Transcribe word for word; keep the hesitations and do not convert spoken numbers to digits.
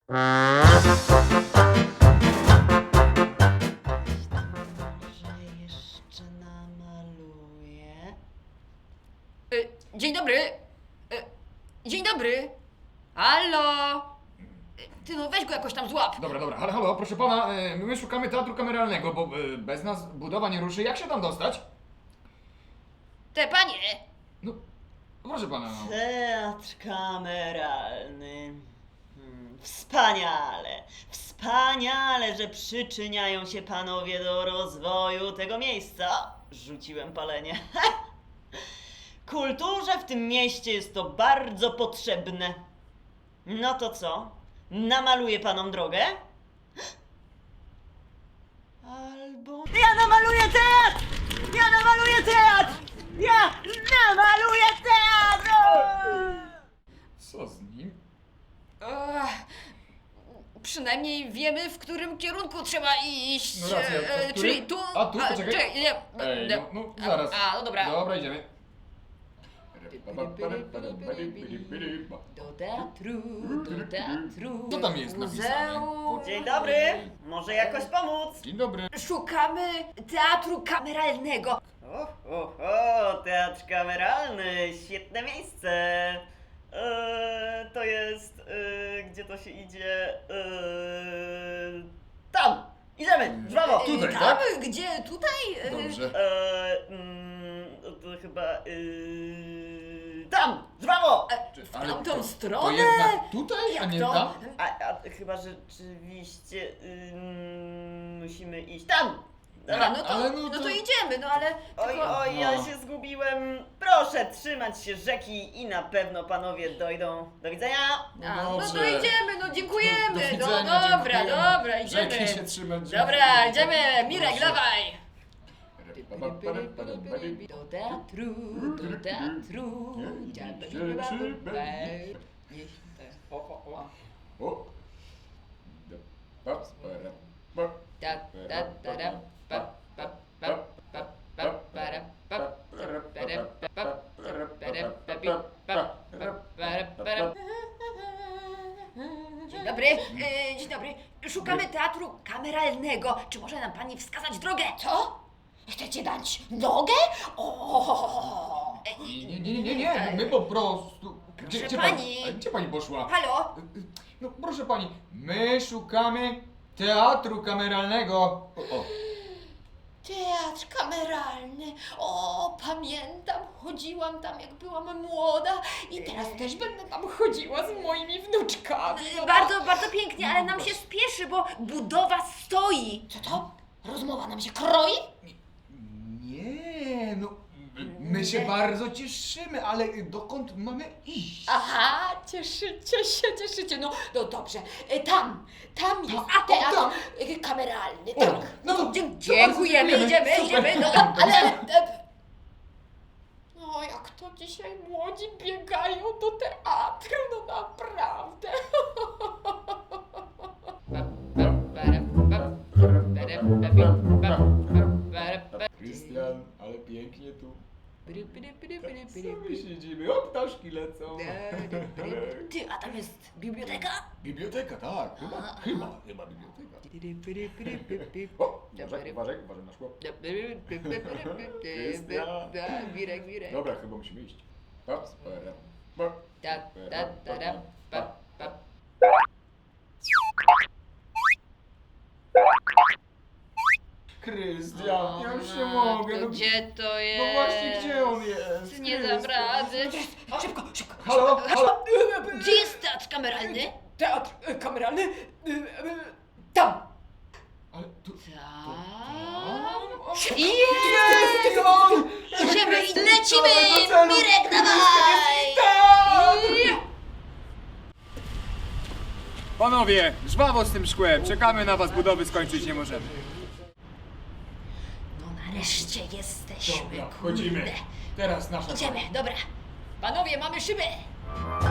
Może jeszcze namaluję. Y, dzień dobry. Y, dzień dobry. Halo. Y, Ty no weź go jakoś tam złap. Dobra, dobra, halo, halo, proszę pana, e, my szukamy teatru kameralnego, bo e, bez nas budowa nie ruszy. Jak się tam dostać? Te panie. No, proszę pana, no. Teatr kameralny. Hmm, wspaniale, wspaniale, że przyczyniają się panowie do rozwoju tego miejsca. Rzuciłem palenie. Kulturze w tym mieście jest to bardzo potrzebne. No to co? Namaluję panom drogę? Albo... Ja namaluję teatr! Ja namaluję teatr! Ja namaluję teatr! Co z nim? Ech, przynajmniej wiemy, w którym kierunku trzeba iść. No racja, E, w którym? czyli tu. A, tu? Poczekaj. czekaj, nie. Ej, no, no, no zaraz. A, no dobra. Dobra, idziemy. Do teatru, do teatru. Co tam jest napisane? Muzeum. Dzień dobry, może jakoś pomóc? Dzień dobry. Szukamy teatru kameralnego. O, o, o, teatr kameralny, świetne miejsce. Eee, to jest, eee, gdzie to się idzie? Eee, tam, idziemy, żwawo. Tutaj, Tam, tak? gdzie? Tutaj? E, Dobrze. Eee, mm, to chyba, eee, tam, żwawo. e, W Ale tamtą to- stronę? To jednak tutaj, a Jak nie to? tam? A, a chyba rzeczywiście ym, musimy iść tam. Dobra, no to, Ale no no to... to- idziemy, no ale... Oj, tylko- oj, ja No. się zgubiłem. Proszę trzymać się rzeki i na pewno panowie dojdą. Do widzenia. A, no to Dobrze. idziemy, no dziękujemy. Do No widzenia, dobra, dziękujemy. dobra, idziemy. Rzeki się trzymać. Dobra, idziemy. Mirek, Proszę. dawaj. Do teatru, do teatru. O, o, o. O. Pa, para, pa. Ta, ta, ta, ra, pa, pa, pa, pa, pa, para, pa, para, pa, pa, para, pa, pi, pa, pa, para, para. Dzień dobry, e, dzień dobry. Szukamy teatru kameralnego. Czy może nam pani wskazać drogę? Co? Chcecie dać nogę? O! Nie, nie, nie, nie, nie, my po prostu... Gdzie, Proszę gdzie pani. pani? Gdzie pani poszła? Halo? No proszę pani, my szukamy teatru kameralnego. O, o. Teatr kameralny. O, pamiętam, chodziłam tam jak byłam młoda i teraz też będę tam chodziła z moimi wnuczkami. Bardzo, bardzo pięknie, ale nam się spieszy, bo budowa stoi. Co to? Rozmowa nam się kroi? Nie, no my się bardzo cieszymy, ale dokąd mamy iść? Aha, cieszycie się, cieszycie. No, no dobrze, E, tam, tam jest A, o, teatr tam. e, kameralny. O, Tak. no to- Dzie- to dziękujemy, bardzo idziemy, dziękujemy. idziemy. No, Super. ale... e, No, jak to dzisiaj młodzi biegają do teatru, no naprawdę. Krystian, ale pięknie tu. Sobie siedzimy, o ptaszki lecą. Ty, a tam jest biblioteka? Biblioteka, tak, chyba, chyba, chyba biblioteka. O, uważaj, uważaj, uważaj na szkło. Wirek, wirek. Dobra, chyba musimy iść. Pa, para, pa, Ta, ta, ta, ra, pa, pa. Krystian, ja już nie mogę. To No, gdzie to jest? no właśnie, gdzie on jest? Nie dam Krystian? rady. Szybko, szybko. Halo, halo. Gdzie jest teatr kameralny? Teatr e, kameralny? E, e, tam! Ale tu... Tam. Jest! Jest! on! Idziemy i lecimy! Do celu! Mirek, dawaj! Panowie, żwawo z tym szkłem. Czekamy na was, budowy skończyć nie możemy. No nareszcie jesteśmy. Dobra, wchodzimy. kurde. Teraz nasza... Idziemy, dobra. Panowie, mamy szybę.